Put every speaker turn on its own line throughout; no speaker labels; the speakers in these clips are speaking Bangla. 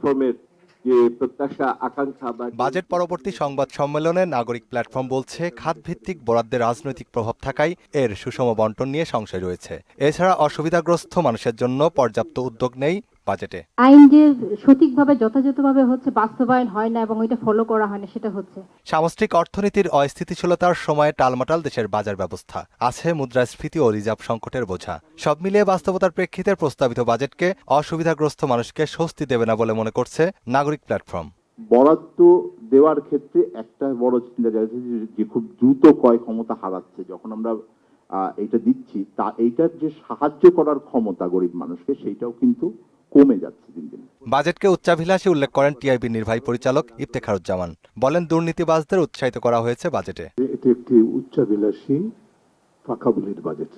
প্ল্যাটফর্মের যে প্রত্যাশা আকাঙ্ক্ষা বা
বাজেট পরবর্তী সংবাদ সম্মেলনে নাগরিক প্ল্যাটফর্ম বলছে, খাতভিত্তিক বরাদ্দের রাজনৈতিক প্রভাব থাকায় এর সুষম বণ্টন নিয়ে সংশয় রয়েছে। এছাড়া অসুবিধাগ্রস্ত মানুষের জন্য পর্যাপ্ত উদ্যোগ নেই বাজেটে।
আইন যে সঠিকভাবে যথাযথভাবে বাস্তবায়ন হয় না এবং ওইটা ফলো করা হয় না, সেটা হচ্ছে।
সামষ্টিক অর্থনীতির অস্থিতিশীলতার সময়ে টালমাটাল দেশের বাজার ব্যবস্থা, আছে মুদ্রাস্ফীতি ও রিজার্ভ সংকটের বোঝা। সব মিলিয়ে বাস্তবতার প্রেক্ষিতে প্রস্তাবিত বাজেটকে অসুবিধাগ্রস্ত মানুষকে স্বস্তি দেবে না বলে মনে করছে নাগরিক প্ল্যাটফর্ম।
বরাদ্দ দেওয়ার ক্ষেত্রে একটা বড় চিন্তা যাচ্ছে যে খুব দ্রুত ক্রয় ক্ষমতা হারাচ্ছে। যখন আমরা এটা দিচ্ছি, তা এইটার যে সাহায্য করার ক্ষমতা গরিব মানুষকে, সেইটাও কিন্তু কমে যাচ্ছে দিন দিন।
বাজেটকে উচ্চাভিলাষী উল্লেখ করেন টিআইবির নির্বাহী পরিচালক ইফতেখারুজ্জামান। বলেন, দুর্নীতিবাজদের উৎসাহিত করা হয়েছে বাজেটে।
এটি একটি উচ্চাভিলাষী ফাঁকাবুলির বাজেট।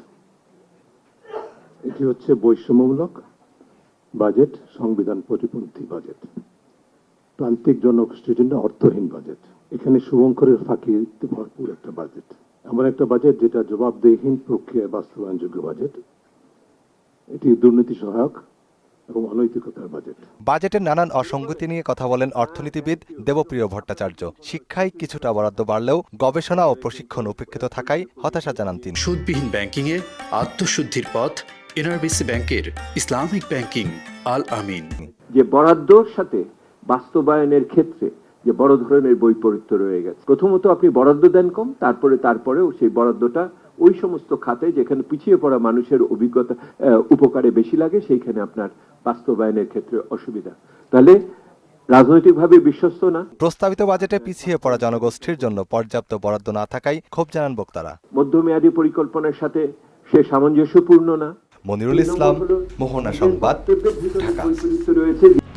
এটি হচ্ছে বৈষম্যমূলক বাজেট, সংবিধান প্রতিপন্থী বাজেট, প্রান্তিক জনগোষ্ঠীর জন্য অর্থহীন বাজেট। এখানে শুভঙ্করের ফাঁকি ভরপুর একটা বাজেট, এমন একটা বাজেট যেটা জবাবদেহীন প্রক্রিয়ায় বাস্তবায়নযোগ্য বাজেট। এটি দুর্নীতি সহায়ক এবং অনৈতিকতার বাজেট।
বাজেটের নানান অসঙ্গতি নিয়ে কথা বলেন অর্থনীতিবিদ দেবপ্রিয় ভট্টাচার্য। শিক্ষায় কিছুটা বরাদ্দ বাড়লেও গবেষণা ও প্রশিক্ষণ উপেক্ষিত থাকায় হতাশা জানান তিনি।
সুদবিহীন ব্যাংকিংয়ে আত্মশুদ্ধির পথ এনআরবিসি ব্যাংকের ইসলামিক ব্যাংকিং আল আমিন।
যে বরাদ্দর সাথে বাস্তবায়নের ক্ষেত্রে যে বড় ধরনের বৈপরীত্য রয়ে গেছে। প্রথমত আপনি বরাদ্দ দেন কম, তারপরেও সেই বরাদ্দটা ওই সমস্ত খাতে যেখানে পিছিয়ে পড়া মানুষের অভিজ্ঞতা উপকারে বেশি লাগে, সেইখানে আপনার বাস্তবায়নের ক্ষেত্রে অসুবিধা। তাহলে রাজনৈতিকভাবে বিশ্বস্ত না।
প্রস্তাবিত বাজেটে পিছিয়ে পড়া জনগোষ্ঠীর জন্য পর্যাপ্ত বরাদ্দ না থাকায় ক্ষোভ জানান বক্তারা।
মধ্যমেয়াদী পরিকল্পনার সাথে সে সামঞ্জস্যপূর্ণ না।
মনিরুল ইসলাম, মোহনা সংবাদ, ঢাকা।
রয়েছে।